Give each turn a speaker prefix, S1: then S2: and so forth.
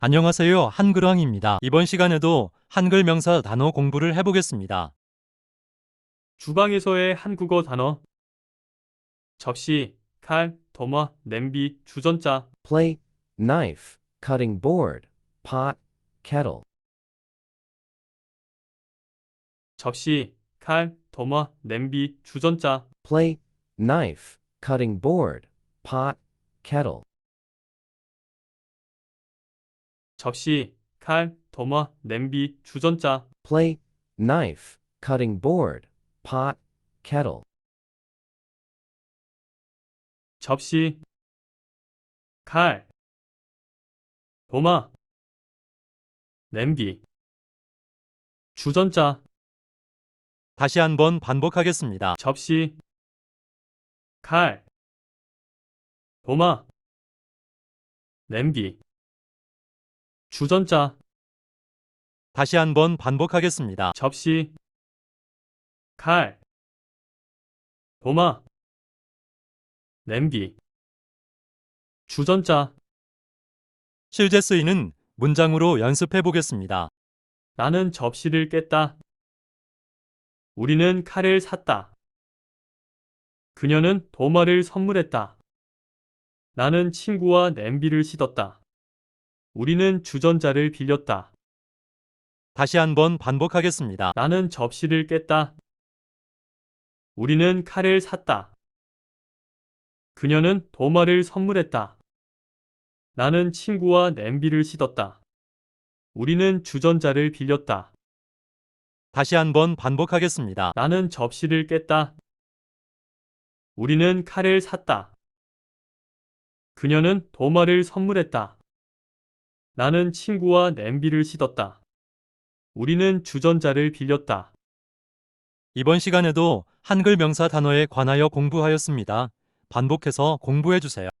S1: 안녕하세요. 한글왕입니다. 이번 시간에도 한글 명사 단어 공부를 해보겠습니다.
S2: 주방에서의 한국어 단어 접시, 칼, 도마, 냄비, 주전자
S3: plate, knife, cutting board, pot, kettle,
S2: 접시, 칼, 도마, 냄비, 주전자
S3: plate, knife, cutting board, pot, kettle,
S2: 접시, 칼, 도마, 냄비, 주전자
S3: plate, knife, cutting board, pot, kettle,
S2: 접시, 칼, 도마, 냄비, 주전자
S1: 다시 한번 반복하겠습니다.
S2: 접시, 칼, 도마, 냄비, 주전자
S1: 다시 한번 반복하겠습니다.
S2: 접시, 칼, 도마, 냄비, 주전자
S1: 실제 쓰이는 문장으로 연습해 보겠습니다.
S2: 나는 접시를 깼다. 우리는 칼을 샀다. 그녀는 도마를 선물했다. 나는 친구와 냄비를 씻었다. 우리는 주전자를 빌렸다.
S1: 다시 한번 반복하겠습니다.
S2: 나는 접시를 깼다. 우리는 칼을 샀다. 그녀는 도마를 선물했다. 나는 친구와 냄비를 씻었다. 우리는 주전자를 빌렸다.
S1: 다시 한번 반복하겠습니다.
S2: 나는 접시를 깼다. 우리는 칼을 샀다. 그녀는 도마를 선물했다. 나는 친구와 냄비를 씻었다. 우리는 주전자를 빌렸다.
S1: 이번 시간에도 한글 명사 단어에 관하여 공부하였습니다. 반복해서 공부해 주세요.